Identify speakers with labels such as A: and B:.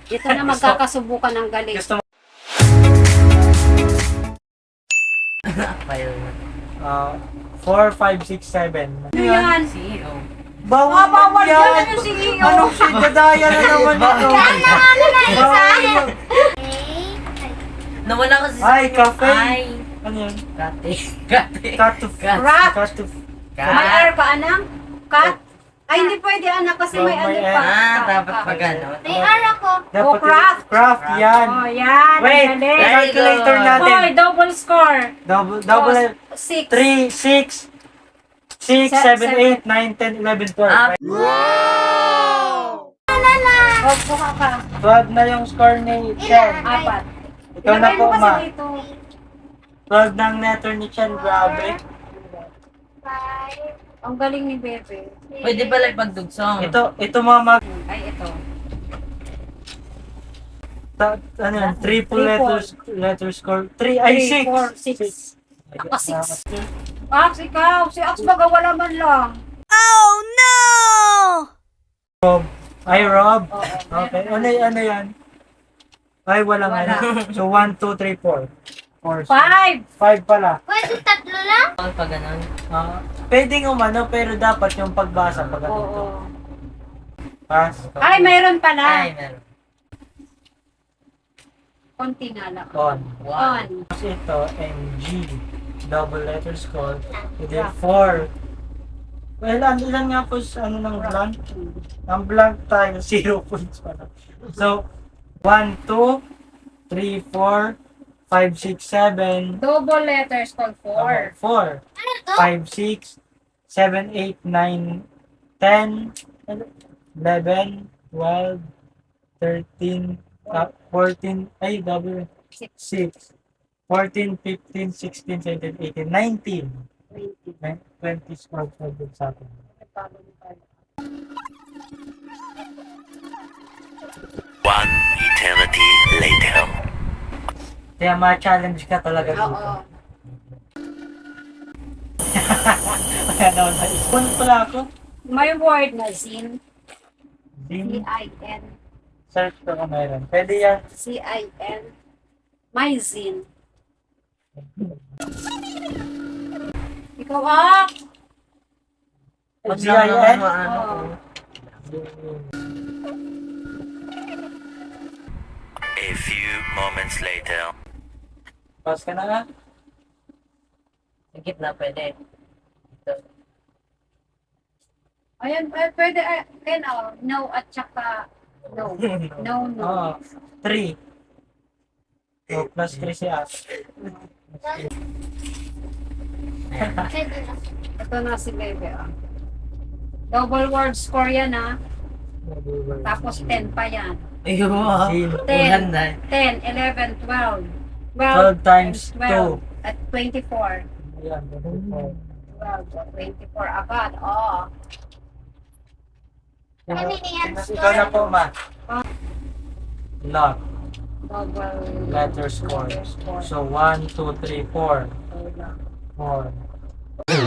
A: Ito na magkakasubukan ng galing.
B: Gusto mo?
C: File.
B: 4, 5, 6, 7.
A: Ano yan?
C: CEO.
B: Bawal
A: Bawal
B: yan!
A: yan yung CEO.
B: Anong shit? Dadaya na naman ito. Bawal yan.
C: Nawala kasi
B: Ay, cafe.
C: Ay.
B: Ano yan?
C: Kate. Kate.
B: Cut to
A: Wrap.
B: Cut to
A: May air ka, anak? Cut? Ay, hindi pwede, anak, kasi may
B: May
A: ano
B: air.
A: pa.
C: Dapat pag ano.
D: May ara ko.
B: Dapat
A: craft.
B: Craft yan.
A: Oh, yan.
B: Wait,
A: ang galing.
B: calculator natin.
A: Hoy, double score.
B: Double
A: 6.
B: 3, 6, 6, 7, 8, 9, 10, 11, 12.
C: Ah.
A: Oh, buka ka.
B: 12 na yung score ni Chen.
A: 4.
B: Ikaw na
A: Ilagay
B: po,
A: mo kasi
B: ma.
A: dito.
B: 12 ng letter ni Chen, grabe.
D: 5.
A: Ang galing ni Bebe.
C: Pwede pala ipagdugsong.
B: Ito mga mag...
A: Ay, ito.
B: Ano yan? Triple letter score. 3,
A: 3,
B: ay
A: 4,
B: 6.
A: 6. Ako, 6. Ax, ikaw. Si Ax baga wala man lang.
B: Ay, Rob.
A: Oo.
B: Okay. Ano yan? Ay, walang
A: Wala.
B: ano. So, 1, 2, 3, 4.
A: 5.
B: 5 pala.
D: Pwede tatlo lang?
C: Pag ganun.
B: Pwedeng umano, pero dapat yung pagbasa pag ganito.
A: Oo.
B: Pass.
A: Ay, mayroon pala.
C: Ay, meron.
A: Konti na lang.
B: On.
A: On.
B: Tapos ito, MG. Double letter score. And then
A: Yeah.
B: 4. Well, ilan nga po ano ng blank? Ang blank tayo, 0 points pala. So, 1, 2, 3, 4, 5, 6, 7.
A: Double letters called 4.
B: 4.
D: Ano to?
B: 5, 6, 7, 8, 9, 10, 11, 12, 13, 14, ay, double, 6, 14, 15, 16, 17, 18, 19, 20 scores na dun sa atin.
E: One eternity later.
B: Kaya ma-challenge ka talaga dito.
A: Oo.
B: Kaya naman na-ispon pala ako.
A: May word na zin.
B: Zin,
A: Z-I-N.
B: search ko kung mayroon. Pwede yan.
A: Z-I-N. May zin. Ikaw, Ak!
B: Mag-ZIN?
A: Oo.
E: A few moments later.
B: Pass ka na nga.
C: Sa gitna pwede. Ito.
A: Ayan, pwede, no at saka no. No, no.
B: Oo. 3. So, plus 3 si As.
D: Pwede lang.
A: Ito na si Bebe, ah. Double word score yan, ah. Tapos 10 pa yan.
C: Ayun mo.
B: Zin.
C: Ulan na.
A: 10, 11, 12.
B: 12 times
A: 12. At 24.
B: Ayan, 24.
A: 12, 24 agad. Oh.
D: Kanina yan,
B: Ikaw na po, ma. Lock.
A: Double
B: Letter scores. So, 1, 2, 3, 4. 4.